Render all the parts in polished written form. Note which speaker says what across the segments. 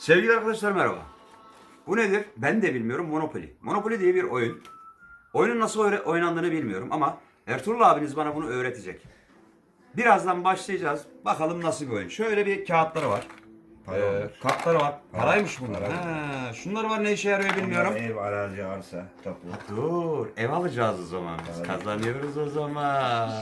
Speaker 1: Sevgili arkadaşlar merhaba. Bu nedir? Ben de bilmiyorum. Monopoly. Monopoly diye bir oyun. Oyunun nasıl oynandığını bilmiyorum ama Ertuğrul abiniz bana bunu öğretecek. Birazdan başlayacağız. Bakalım nasıl bir oyun. Şöyle bir kağıtları var. Kartları var. Paraymış bunlar. Ha, şunlar var, ne işe yarıyor bilmiyorum.
Speaker 2: Ev, arazi, arsa, tapu.
Speaker 1: Dur, ev alacağız o zaman. Biz kazanıyoruz o zaman.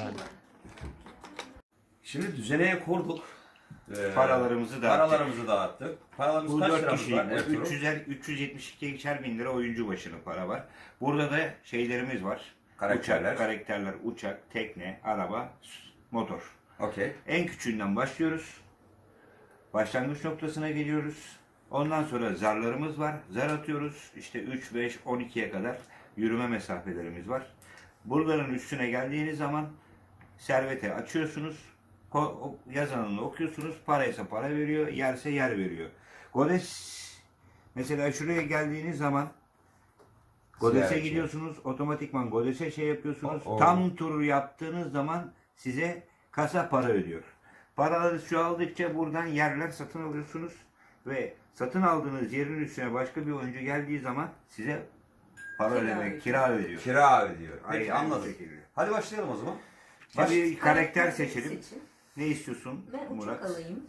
Speaker 1: Şimdi düzeneye kurduk.
Speaker 2: Paralarımızı dağıttık.
Speaker 1: Paralarımızı dağıttık. Paralarımız
Speaker 2: Bu
Speaker 1: kaç
Speaker 2: 4
Speaker 1: liramız
Speaker 2: kişilik
Speaker 1: var Ertuğrul?
Speaker 2: 372'şer bin lira oyuncu başına para var. Burada da şeylerimiz var.
Speaker 1: Karakterler.
Speaker 2: Karakterler, uçak, tekne, araba, motor.
Speaker 1: Okey.
Speaker 2: En küçüğünden başlıyoruz. Başlangıç noktasına geliyoruz. Ondan sonra zarlarımız var. Zar atıyoruz. İşte 3, 5, 12'ye kadar yürüme mesafelerimiz var. Buraların üstüne geldiğiniz zaman servete açıyorsunuz. Yazanını okuyorsunuz. Paraysa para veriyor. Yerse yer veriyor. Godes mesela şuraya geldiğiniz zaman Godes'e
Speaker 1: Ziyaretçi.
Speaker 2: gidiyorsunuz. Otomatikman Godes'e şey yapıyorsunuz.
Speaker 1: Oh.
Speaker 2: Tam tur yaptığınız zaman size kasa para ödüyor. Paraları çoğaldıkça buradan yerler satın alıyorsunuz ve satın aldığınız yerin üstüne başka bir oyuncu geldiği zaman size para ödemek, kira ödüyor.
Speaker 1: Kira ödüyor. Peki
Speaker 2: Aynen
Speaker 1: anladım.
Speaker 2: bu şekilde.
Speaker 1: Hadi başlayalım o zaman.
Speaker 2: Bir karakter seçelim.
Speaker 3: Seçin.
Speaker 2: Ne istiyorsun
Speaker 3: Ben
Speaker 2: Murat?
Speaker 3: uçak alayım.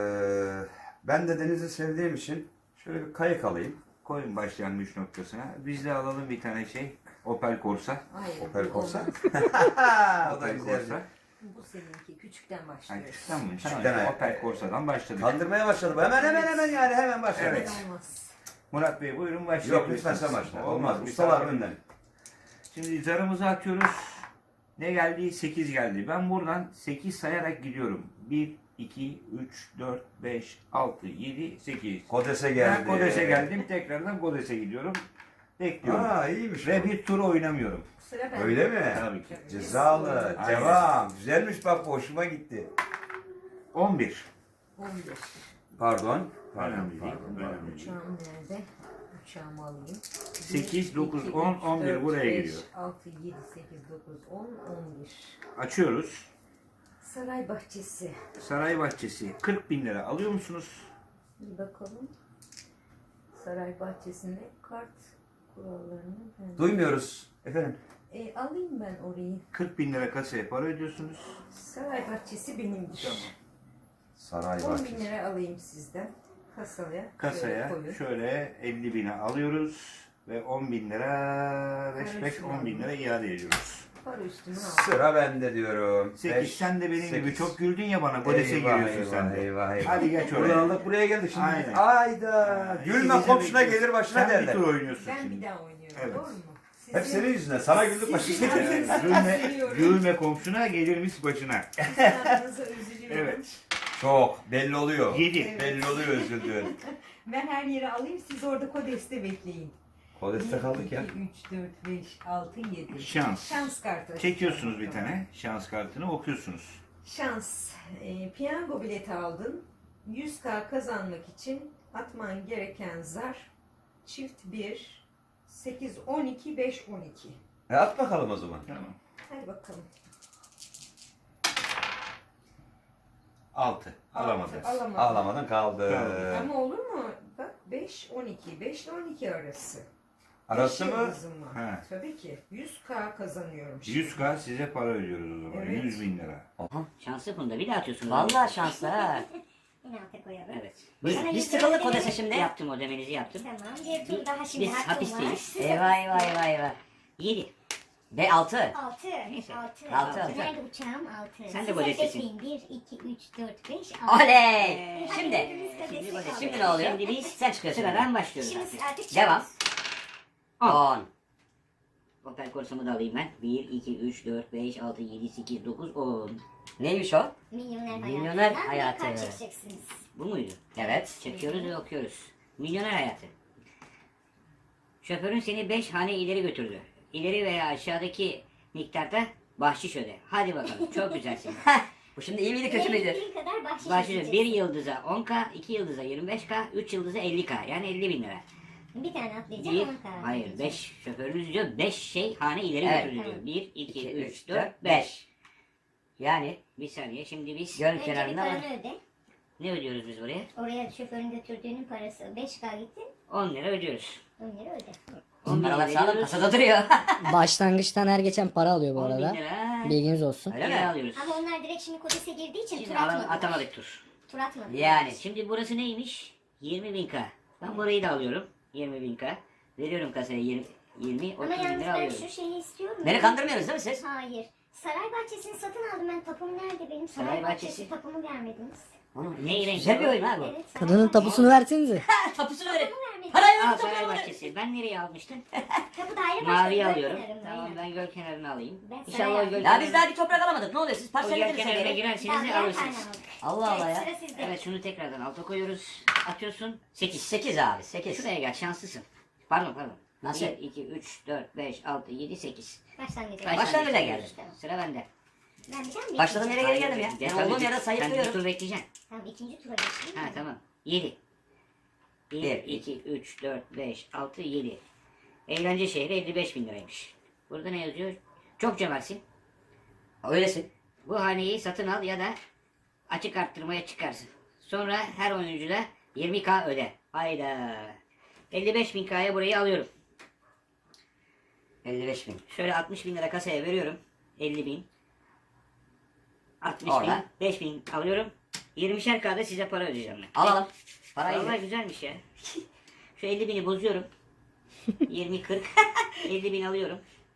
Speaker 1: Ben de denizi sevdiğim için şöyle bir kayık alayım.
Speaker 2: Koyun başlangıç noktasına. Biz de alalım bir tane şey. Opel Corsa.
Speaker 3: Hayır.
Speaker 1: Opel
Speaker 3: bu
Speaker 1: Corsa.
Speaker 3: olmaz.
Speaker 1: O da
Speaker 2: Opel
Speaker 1: güzel.
Speaker 2: Corsa.
Speaker 3: Bu seninki. Küçükten
Speaker 2: Ha,
Speaker 3: başlıyoruz.
Speaker 2: tamam mı?
Speaker 1: Küçükten
Speaker 2: Tamam.
Speaker 1: ayak.
Speaker 2: Opel Corsa'dan başladık.
Speaker 1: Kandırmaya başladı. Hemen yani hemen başladı.
Speaker 2: Evet.
Speaker 3: Olmaz.
Speaker 2: Murat Bey buyurun başlayalım.
Speaker 1: Yok lütfen sen başla. Olmaz.
Speaker 2: Bir
Speaker 1: Ustalar
Speaker 2: saniye.
Speaker 1: önden.
Speaker 2: Şimdi zarımızı atıyoruz. Ne geldi? 8 geldi. Ben buradan 8 sayarak gidiyorum. 1, 2, 3, 4, 5, 6, 7, 8.
Speaker 1: Kodes'e geldi.
Speaker 2: Ben Kodes'e geldim. Tekrardan Kodes'e gidiyorum. Bekliyorum.
Speaker 1: Aa iyiymiş.
Speaker 2: Ve
Speaker 1: bu.
Speaker 2: bir tur oynamıyorum.
Speaker 3: Sıra bende.
Speaker 1: Öyle mi?
Speaker 2: Tabii ki.
Speaker 1: Cezalı.
Speaker 2: Aynen.
Speaker 1: Devam. Güzelmiş bak, bu hoşuma gitti.
Speaker 2: 11.
Speaker 3: 11.
Speaker 1: Pardon.
Speaker 2: Önemli değil. Önemli değil.
Speaker 3: Uçağım nerede? Uçağımı alayım.
Speaker 2: 8, 9, 10, 11 buraya geliyor.
Speaker 3: 6, 7, 8, 9, 10, 11.
Speaker 2: Açıyoruz.
Speaker 3: Saray bahçesi.
Speaker 2: Saray bahçesi. 40 bin lira alıyor musunuz?
Speaker 3: Bir bakalım. Saray bahçesinde kart kurallarını ben...
Speaker 1: Duymuyoruz. Efendim.
Speaker 3: Alayım ben orayı.
Speaker 2: 40 bin lira kasaya para ödüyorsunuz.
Speaker 3: Saray bahçesi benimdir.
Speaker 2: Tamam.
Speaker 1: Saray
Speaker 3: 10 bin
Speaker 1: bahçesi.
Speaker 3: lira alayım sizden. Kasaya.
Speaker 2: Kasaya
Speaker 3: koyun.
Speaker 2: şöyle 50 bine alıyoruz ve 10 bin lira, 5-10 bin lira iade ediyoruz.
Speaker 3: Para üstüne al.
Speaker 1: Sıra bende diyorum.
Speaker 2: 8 sen de benim gibi çok güldün ya bana. Kodes'e
Speaker 1: Eyvah,
Speaker 2: giriyorsun sen de.
Speaker 1: eyvah, eyvah.
Speaker 2: Hadi geç
Speaker 1: Buradan
Speaker 2: oraya.
Speaker 1: aldık buraya geldik şimdi.
Speaker 2: Aynen.
Speaker 1: Ayda. Gülme komşuna gelir başına
Speaker 2: sen
Speaker 1: derler.
Speaker 2: bir tur oynuyorsun
Speaker 3: Ben
Speaker 2: şimdi.
Speaker 3: bir daha oynuyorum.
Speaker 2: Evet.
Speaker 3: Doğru mu?
Speaker 1: Hep senin yüzünden. Sana güldük başına
Speaker 3: Sizin
Speaker 1: gelir.
Speaker 3: adınıza
Speaker 2: Gülme,
Speaker 3: üzülüyorum.
Speaker 2: gülme komşuna gelirmiş başına.
Speaker 3: Sizin adınıza üzülüyorum.
Speaker 2: Evet.
Speaker 1: Çok. Belli oluyor.
Speaker 2: 7.
Speaker 3: Evet.
Speaker 1: Belli oluyor üzüldüğün.
Speaker 3: Ben her yere alayım, siz orada Kodes'te bekleyin.
Speaker 1: Kodeste kaldık ya.
Speaker 3: 2, 3, 4, 5, 6, 7.
Speaker 2: Şans.
Speaker 3: Şans kartı.
Speaker 2: Çekiyorsunuz bir tane şans kartını okuyorsunuz.
Speaker 3: Şans. Piyango bileti aldın. 100K kazanmak için atman gereken zar çift 1, 8, 12, 5, 12.
Speaker 1: At bakalım o zaman.
Speaker 2: Tamam.
Speaker 3: Hadi bakalım.
Speaker 2: 6. Alamadınız.
Speaker 3: Alamadım.
Speaker 1: Ağlamadan kaldı.
Speaker 2: Kaldı.
Speaker 3: Ama olur mu? Bak 5, 12. 5 ile 12 arası.
Speaker 1: Arası
Speaker 3: Beş
Speaker 1: mı?
Speaker 3: yıldızım var.
Speaker 2: He.
Speaker 3: Tabii ki. 100K kazanıyorum. şimdi.
Speaker 2: 100K size para ödüyoruz o zaman.
Speaker 3: Evet.
Speaker 2: 100 bin lira.
Speaker 1: Aha.
Speaker 4: Şanslı bunda bir daha atıyorsun.
Speaker 5: Vallahi şanslı ha.
Speaker 6: Yine alta koyalım.
Speaker 4: Evet.
Speaker 5: Biz tıkalı Kodes'e şimdi.
Speaker 4: Yaptım, o demenizi yaptım.
Speaker 6: Tamam. Bir tur daha şimdi
Speaker 4: Biz
Speaker 6: hakkım
Speaker 4: hapisteyiz.
Speaker 6: var.
Speaker 5: Eyvah eyvah eyvah eyvah.
Speaker 4: 7.
Speaker 5: Ve 6.
Speaker 6: 6.
Speaker 4: Neyse.
Speaker 6: 6.
Speaker 5: Altı.
Speaker 6: Nerede uçağım? 6.
Speaker 4: Sen de Kodes'tesin.
Speaker 6: 1, 2, 3, 4, 5, 6.
Speaker 5: Oley! Şimdi.
Speaker 4: Şimdi
Speaker 5: Şimdi ne oluyor?
Speaker 4: Şimdi biz
Speaker 5: Sen çıkıyorsun.
Speaker 4: sıradan başlıyoruz
Speaker 6: Şimdi
Speaker 4: artık.
Speaker 6: artık
Speaker 5: Devam. 10.
Speaker 4: Opel Corsa'mı da alayım ben. 1, 2, 3, 4, 5, 6, 7, 8, 9, 10.
Speaker 5: Neymiş o?
Speaker 6: Milyoner
Speaker 5: Milyoner
Speaker 6: hayatından
Speaker 5: hayatı.
Speaker 6: bir kart çekeceksiniz.
Speaker 4: Bu muydu?
Speaker 5: Evet.
Speaker 4: Çekiyoruz ve okuyoruz. Milyoner hayatı. Şoförün seni 5 hane ileri götürdü. İleri veya aşağıdaki miktarda bahşiş öde. Hadi bakalım. Çok güzelsin.
Speaker 5: Bu şimdi iyi miydi kötü müydü?
Speaker 6: Verebildiğin kadar bahşiş
Speaker 4: Bahşiş 1
Speaker 6: ödeyeceksin.
Speaker 4: yıldıza 10K, 2 yıldıza 25K, 3 yıldıza 50K. Yani 50 bin lira.
Speaker 6: Bir tane atlayacağım
Speaker 4: Bir,
Speaker 6: ona karar
Speaker 4: hayır
Speaker 6: vereceğim.
Speaker 4: 5 şoförünüz diyor 5 şey hane ileri
Speaker 5: Evet.
Speaker 4: götürdü diyor. 1, 2,
Speaker 5: 2,
Speaker 4: 3,
Speaker 5: 3,
Speaker 4: 4,
Speaker 5: 4,
Speaker 4: 5.
Speaker 5: 5. Yani
Speaker 4: Bir saniye şimdi biz
Speaker 5: göl
Speaker 6: Önce bir
Speaker 5: kenarında var.
Speaker 6: paranı öde.
Speaker 4: Ne ödüyoruz biz buraya?
Speaker 6: Oraya şoförün götürdüğünün parası 5K gitti.
Speaker 4: 10 lira ödüyoruz.
Speaker 6: 10 lira öde.
Speaker 4: 10 bin lira
Speaker 5: Paralar sağlam
Speaker 4: veriyoruz.
Speaker 5: kasada duruyor.
Speaker 7: Başlangıçtan her geçen para alıyor bu
Speaker 4: 10 bin
Speaker 7: arada.
Speaker 4: lira.
Speaker 7: Bilginiz olsun.
Speaker 5: Öyle
Speaker 4: Geri
Speaker 5: mi?
Speaker 4: alıyoruz.
Speaker 6: Ama onlar direkt şimdi Kodes'e girdiği için tur
Speaker 4: Şimdi
Speaker 6: atmadılar.
Speaker 4: atamadık tur.
Speaker 6: Tur atmadılar.
Speaker 5: Yani.
Speaker 4: Şimdi burası neymiş? 20.000K. Ben burayı da alıyorum. 20.000K. Veriyorum kasaya 20 30
Speaker 6: Ama
Speaker 4: bin
Speaker 6: yalnız
Speaker 4: lira
Speaker 6: ben
Speaker 4: alıyorum.
Speaker 6: şu şeyi istiyorum.
Speaker 5: Beni kandırmıyorsunuz değil mi siz?
Speaker 6: Hayır. Saray bahçesini satın aldım ben. Tapum nerede benim? Saray,
Speaker 4: Saray
Speaker 6: bahçesi
Speaker 4: bahçesi.
Speaker 6: tapumu vermediniz.
Speaker 4: Ne renk?
Speaker 5: Güzel bir oyun ha bu.
Speaker 6: Evet. Saray
Speaker 7: Kadının
Speaker 6: bahçesi.
Speaker 7: tapusunu versenize.
Speaker 5: Tapusunu verin.
Speaker 6: Tapumu vermediniz.
Speaker 5: Parayı
Speaker 4: Aa,
Speaker 5: verin
Speaker 4: saray
Speaker 5: tapusunu verin.
Speaker 4: bahçesi. Ben nereye almıştım?
Speaker 6: Tapu daire
Speaker 4: Maviyi
Speaker 6: başkanı
Speaker 4: alıyorum.
Speaker 6: kenarında,
Speaker 4: Tamam
Speaker 6: aynen.
Speaker 4: ben göl kenarını alayım.
Speaker 6: Ben
Speaker 4: İnşallah
Speaker 6: saray
Speaker 4: o göl
Speaker 5: Ya biz
Speaker 4: kenarına-
Speaker 5: daha bir toprak alamadık. Ne oluyor siz
Speaker 4: o göl
Speaker 5: parsel ediniz
Speaker 4: kenarına
Speaker 5: geri.
Speaker 4: girerseniz
Speaker 6: Daha
Speaker 4: de
Speaker 6: birer
Speaker 4: alırsınız.
Speaker 6: tane aldık.
Speaker 5: Allah Allah
Speaker 6: Evet,
Speaker 5: ya.
Speaker 6: sıra sizde.
Speaker 4: Evet şunu tekrardan alta koyuyoruz. Atıyorsun. 8.
Speaker 5: 8 abi 8.
Speaker 4: Şuraya gel şanslısın. Pardon.
Speaker 5: Nasıl?
Speaker 4: 1, 2, 3, 4, 5, 6, 7, 8.
Speaker 6: Başlangıcı.
Speaker 5: Başlangıca geldim.
Speaker 4: Sıra bende.
Speaker 6: Ben bir tane
Speaker 5: Başladığım yere geri
Speaker 6: ikinci-
Speaker 5: geldim ya.
Speaker 4: Gel,
Speaker 5: Ben
Speaker 4: tabii.
Speaker 5: olduğum yerde
Speaker 4: Sen bir
Speaker 5: sayıklıyorum.
Speaker 4: tur bekleyeceksin.
Speaker 6: Tamam ikinci tura geçtim.
Speaker 4: Ha tamam. 7. 1,
Speaker 5: Bir,
Speaker 4: 2, 3, 4, 5, 6, 7. Eğlence şehri 55 bin liraymış. Burada ne yazıyor? Çok cömertsin.
Speaker 5: Öylesin.
Speaker 4: Bu haneyi satın al ya da açık arttırmaya çıkarsın. Sonra her oyuncuda 20K öde. Hayda. 55 bin K'ya burayı alıyorum.
Speaker 5: 55 bin.
Speaker 4: Şöyle 60 bin lira kasaya veriyorum. 50 bin. 60
Speaker 5: Orada.
Speaker 4: bin. 5 bin alıyorum. 20'şer K'da size para ödeyeceğim ben.
Speaker 5: Alalım. Parayı
Speaker 4: Vallahi
Speaker 5: ver.
Speaker 4: güzelmiş ya. Şu 50 bini bozuyorum. 20 40 50 bin alıyorum.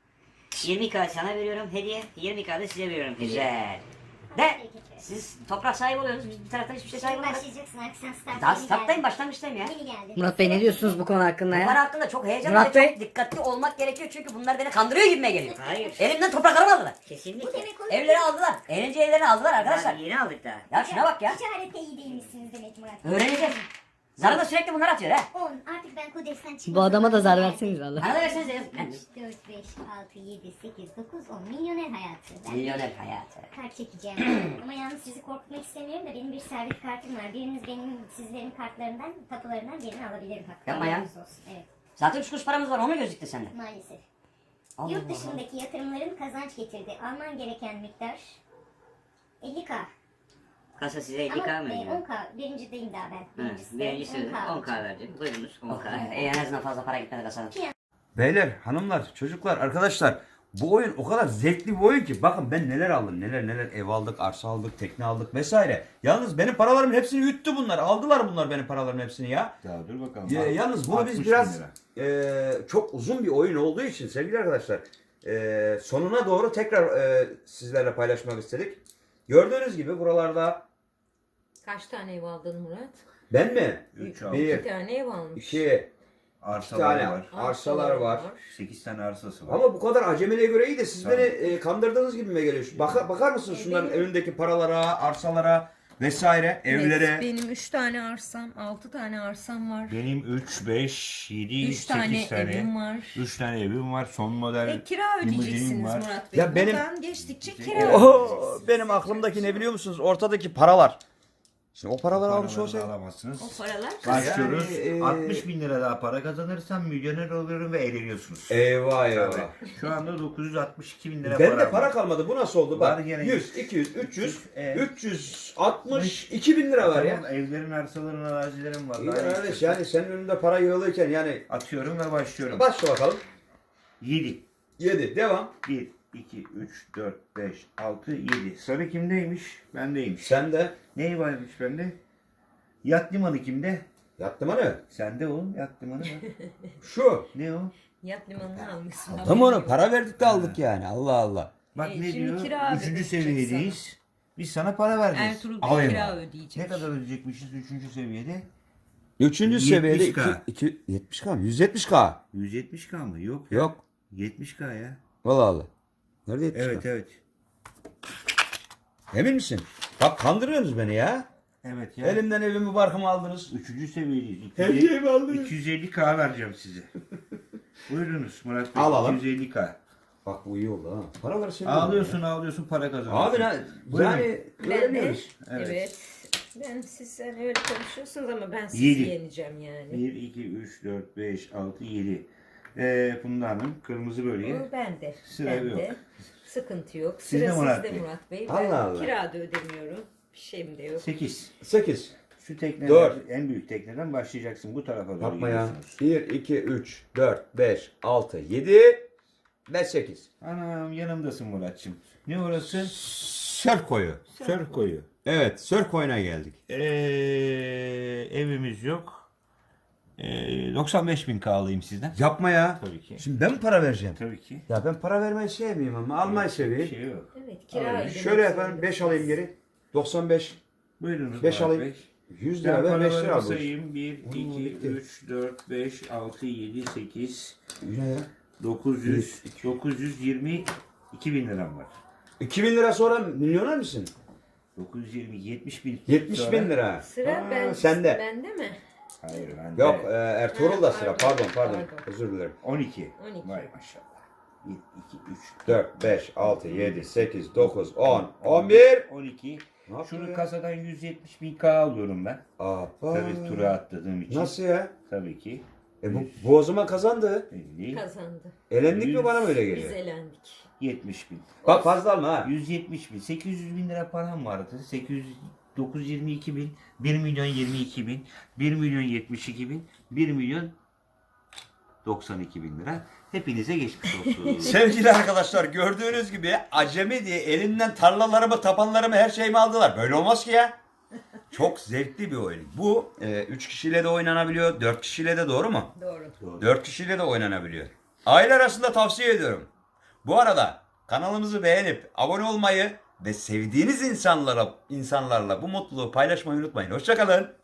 Speaker 4: 20K sana veriyorum hediye. 20K da size veriyorum hediye.
Speaker 5: Güzel. De siz toprak sahibi oluyorsunuz. Biz bir taraftan hiçbir şey sahibi
Speaker 6: Şimdi
Speaker 5: olamadık.
Speaker 6: başlayacaksın artık sen start.
Speaker 5: Daha
Speaker 6: yeni
Speaker 5: starttayım
Speaker 6: geldi.
Speaker 5: başlangıçtayım ya.
Speaker 6: Yeni geldi.
Speaker 7: Murat Bey ne diyorsunuz bu konu hakkında
Speaker 5: Bunlar
Speaker 7: ya?
Speaker 5: hakkında çok heyecanlı
Speaker 7: Murat
Speaker 5: ve
Speaker 7: Bey.
Speaker 5: çok dikkatli olmak gerekiyor çünkü bunlar beni kandırıyor gibime geliyor.
Speaker 4: Hayır.
Speaker 5: Elimden topraklarımı aldılar.
Speaker 6: Bu
Speaker 4: Kesinlikle.
Speaker 6: demek oluyor.
Speaker 5: Evleri aldılar. Eğlence evlerini aldılar arkadaşlar.
Speaker 4: Daha yeni aldık daha.
Speaker 5: Ya şuna bak ya.
Speaker 6: Ticarette iyi değilmişsiniz demek Murat.
Speaker 5: Öğreneceğiz. Zara da sürekli bunlar atıyor ha.
Speaker 6: 10. Artık ben Kodes'ten çıkmasam.
Speaker 7: Bu adama da zar verseniz valla.
Speaker 5: Bana da versenize ya.
Speaker 6: 3, 4, 5, 6, 7, 8, 9, 10. Milyoner hayatı. Ben
Speaker 5: Milyoner hayatı.
Speaker 6: kart çekeceğim. Ama yalnız sizi korkutmak istemiyorum da benim bir servet kartım var. Biriniz benim sizlerin kartlarından, tapularından birini alabilirim. Hakkı.
Speaker 5: Yapma ya.
Speaker 6: Haberiniz olsun. Evet,
Speaker 5: Zaten 3 kuruş paramız var o mu gözüktü sende?
Speaker 6: maalesef.
Speaker 5: Allah
Speaker 6: Yurt
Speaker 5: Allah.
Speaker 6: dışındaki yatırımların kazanç getirdi. Alman gereken miktar 50K.
Speaker 4: Kasa size
Speaker 6: Ama
Speaker 4: 50K mı ödüyor?
Speaker 6: 10K. Birincideyim daha ben.
Speaker 4: Evet, birincisi 10K verdim. Buyurunuz 10K.
Speaker 5: En azından fazla para gitmedi kasadan.
Speaker 1: Beyler, hanımlar, çocuklar, arkadaşlar bu oyun o kadar zevkli bir oyun ki bakın ben neler aldım, neler ev aldık, arsa aldık, tekne aldık vesaire. Yalnız benim paralarımın hepsini yuttu bunlar. Aldılar bunlar benim paralarımın hepsini ya.
Speaker 2: Ya dur bakalım.
Speaker 1: Yalnız bunu
Speaker 2: 60
Speaker 1: biz
Speaker 2: bin
Speaker 1: biraz
Speaker 2: lira.
Speaker 1: çok uzun bir oyun olduğu için sevgili arkadaşlar sonuna doğru tekrar sizlerle paylaşmak istedik. Gördüğünüz gibi buralarda
Speaker 3: Kaç tane ev aldın Murat?
Speaker 1: ben mi?
Speaker 2: 3 aldı.
Speaker 1: Bir,
Speaker 3: 2 tane ev almış.
Speaker 1: 2,
Speaker 2: Arsalar
Speaker 1: tane
Speaker 2: var.
Speaker 1: arsalar var.
Speaker 2: 8 tane arsası var.
Speaker 1: Ama bu kadar acemiliğe göre iyi de siz
Speaker 2: Tabii.
Speaker 1: beni kandırdığınız gibi mi geliyor? Bakar mısınız şunların
Speaker 3: Benim-
Speaker 1: önündeki paralara, arsalara vesaire, evlere?
Speaker 3: Evet, benim 3 tane arsam, 6 tane arsam var.
Speaker 2: Benim 3, 5, 7,
Speaker 3: 3
Speaker 2: 8
Speaker 3: tane
Speaker 2: tane.
Speaker 3: evim var.
Speaker 2: 3 tane evim var. Son model.
Speaker 3: Kira
Speaker 2: limuzinim
Speaker 3: ödeyeceksiniz
Speaker 2: var.
Speaker 3: Murat Bey.
Speaker 1: Ya benim-
Speaker 3: Buradan geçtikçe kira
Speaker 2: Evet.
Speaker 3: ödeyeceksiniz.
Speaker 1: Benim aklımdaki ne biliyor musunuz? Ortadaki paralar. Şimdi o paraları almış
Speaker 2: Paraları da
Speaker 1: olsaydı.
Speaker 2: alamazsınız.
Speaker 3: O paralar
Speaker 2: Başlıyoruz.
Speaker 1: Yani,
Speaker 2: 60 bin lira daha para kazanırsam milyoner oluyorum ve eğleniyorsunuz.
Speaker 1: Eyvah eyvah.
Speaker 2: Tabii. Şu anda 962 bin lira
Speaker 1: Bende
Speaker 2: para
Speaker 1: para
Speaker 2: var.
Speaker 1: kalmadı. Bu nasıl oldu?
Speaker 2: Var
Speaker 1: Bak
Speaker 2: gene
Speaker 1: 100, 200, 300,
Speaker 2: Evet.
Speaker 1: 362 bin lira var ya.
Speaker 2: Tamam, evlerin, arsaların, arazilerin var.
Speaker 1: İyi
Speaker 2: Daha ne
Speaker 1: kardeş
Speaker 2: istiyorsun?
Speaker 1: yani senin önünde para yığılırken yani
Speaker 2: Atıyorum ve başlıyorum.
Speaker 1: başla bakalım.
Speaker 2: 7.
Speaker 1: 7 devam.
Speaker 2: 1, 2, 3, 4, 5, 6, 7. Sarı kimdeymiş? Bendeymiş.
Speaker 1: Sen de
Speaker 2: Neyi varmış bende? Yat limanı kimde?
Speaker 1: yattım hani.
Speaker 2: Sende oğlum yat limanı var.
Speaker 1: Şu.
Speaker 2: Ne o?
Speaker 3: yat limanını almışsın.
Speaker 1: Tamam onu para verdik de aldık yani. Allah Allah.
Speaker 2: Bak ne
Speaker 3: şimdi
Speaker 2: diyor?
Speaker 3: kira
Speaker 2: 3.
Speaker 3: ödeyecek
Speaker 2: seviyedeyiz. Biz sana para vereceğiz.
Speaker 3: Ertuğrul
Speaker 2: Al
Speaker 3: Bey
Speaker 2: evi.
Speaker 3: kira ödeyecek.
Speaker 2: Ne kadar ödeyecekmişiz 3. seviyede?
Speaker 1: 3. seviyede
Speaker 2: 70K.
Speaker 1: 70K mı? 170K.
Speaker 2: 170K mı? Yok ya.
Speaker 1: Yok.
Speaker 2: 70K ya.
Speaker 1: Allah Allah. Nerede 70K?
Speaker 2: Evet evet.
Speaker 1: Emin misin? Bak kandırıyorsunuz beni ya.
Speaker 2: Evet ya.
Speaker 1: Elimden evimi barkımı aldınız.
Speaker 2: 3. seviyedeyiz.
Speaker 1: Her şeyimi aldınız.
Speaker 2: 250K vereceğim size. Buyurunuz Murat Bey.
Speaker 1: Alalım.
Speaker 2: 250K.
Speaker 1: Bak bu iyi oldu ha. Paraları sen
Speaker 2: Ağlıyorsun para kazanıyorsun.
Speaker 1: Abi
Speaker 2: Buyurun.
Speaker 1: yani
Speaker 3: Ben de,
Speaker 1: öğreniyoruz.
Speaker 2: Evet.
Speaker 3: evet. Ben siz öyle konuşuyorsunuz ama ben sizi
Speaker 2: 7.
Speaker 3: yeneceğim yani.
Speaker 2: 1, 2, 3, 4, 5, 6, 7. Funda Hanım kırmızı bölge.
Speaker 3: O bende.
Speaker 2: Sıra
Speaker 3: bende.
Speaker 2: yok.
Speaker 3: Sıkıntı yok.
Speaker 2: Sizde
Speaker 3: Sıra
Speaker 2: Murat
Speaker 3: sizde
Speaker 2: Bey.
Speaker 3: Murat Bey.
Speaker 1: Allah
Speaker 3: Ben
Speaker 1: Allah.
Speaker 3: kira da ödemiyorum. Bir şeyim de yok.
Speaker 2: 8.
Speaker 1: 8.
Speaker 2: Şu tekneden,
Speaker 1: Dört.
Speaker 2: en büyük tekneden başlayacaksın. Bu tarafa doğru
Speaker 1: Yapma ya.
Speaker 2: gidiyorsunuz.
Speaker 1: 1, 2, 3, 4, 5, 6, 7 ve 8.
Speaker 2: Anam yanımdasın Muratçım. Ne orası?
Speaker 1: Sörf koyu.
Speaker 2: Sörf koyu.
Speaker 1: Evet, sörf koyuna geldik.
Speaker 2: Evimiz yok. 95.000 alayım sizden.
Speaker 1: Yapma ya.
Speaker 2: Tabii ki.
Speaker 1: Şimdi ben mi para vereceğim?
Speaker 2: Tabii ki.
Speaker 1: Ya ben para vermeyi sevmiyorum ama almayı
Speaker 2: Bir
Speaker 1: seveyim.
Speaker 2: şey yok.
Speaker 3: Evet, kira
Speaker 2: Aynen.
Speaker 3: ödemek
Speaker 1: Şöyle efendim
Speaker 3: zorundasınız.
Speaker 1: 5 alayım geri. 95.
Speaker 2: Buyurunuz
Speaker 1: 5
Speaker 2: Murat
Speaker 1: alayım.
Speaker 2: Bey.
Speaker 1: 100
Speaker 2: Ben
Speaker 1: lira ver 5 lira
Speaker 2: paralarımı
Speaker 1: bu.
Speaker 2: sayayım. 1,
Speaker 1: Oo,
Speaker 2: 2,
Speaker 1: bitti.
Speaker 2: 3, 4, 5, 6, 7, 8,
Speaker 1: Ne ya?
Speaker 2: 900, 920, 2000 liram var.
Speaker 1: 2000 lira sonra milyoner misin?
Speaker 2: 920, 70 bin.
Speaker 1: 70 bin lira.
Speaker 3: Sıra
Speaker 2: Aa,
Speaker 3: ben,
Speaker 1: sende.
Speaker 3: bende mi?
Speaker 2: Hayır bende.
Speaker 1: Yok Ertuğrul'da sıra. Pardon.
Speaker 3: Pardon.
Speaker 1: Özür dilerim.
Speaker 2: 12.
Speaker 3: 12.
Speaker 2: Vay maşallah. 1, 2, 3,
Speaker 1: 4, 5, 6, 7, 8, 9, 10, 11.
Speaker 2: 12.
Speaker 1: Ne yaptın
Speaker 2: Şunu
Speaker 1: ya?
Speaker 2: kasadan 170.000 alıyorum ben.
Speaker 1: Aa,
Speaker 2: Tabii tura atladığım için.
Speaker 1: Nasıl ya?
Speaker 2: Tabii ki.
Speaker 1: Bu o zaman kazandı.
Speaker 2: 50,
Speaker 3: Kazandı.
Speaker 1: Elendik mi bana mı öyle
Speaker 3: Biz
Speaker 1: geliyor?
Speaker 3: elendik.
Speaker 2: 70.000.
Speaker 1: Bak fazla alma ha.
Speaker 2: 170.000. 800 bin lira param vardı. 922 bin. 1 milyon 22 bin. 1 milyon 72 bin. 1 milyon 92 bin lira. Hepinize geçmiş olsun.
Speaker 1: Sevgili arkadaşlar gördüğünüz gibi acemi diye elinden tarlalarımı, tapanlarımı, her şeyimi aldılar. Böyle olmaz ki ya. Çok zevkli bir oyun. Bu 3 kişiyle de oynanabiliyor, 4 kişiyle de, doğru mu?
Speaker 3: Doğru.
Speaker 1: 4 kişiyle de oynanabiliyor. Aile arasında tavsiye ediyorum. Bu arada kanalımızı beğenip abone olmayı ve sevdiğiniz insanlarla bu mutluluğu paylaşmayı unutmayın. Hoşça kalın.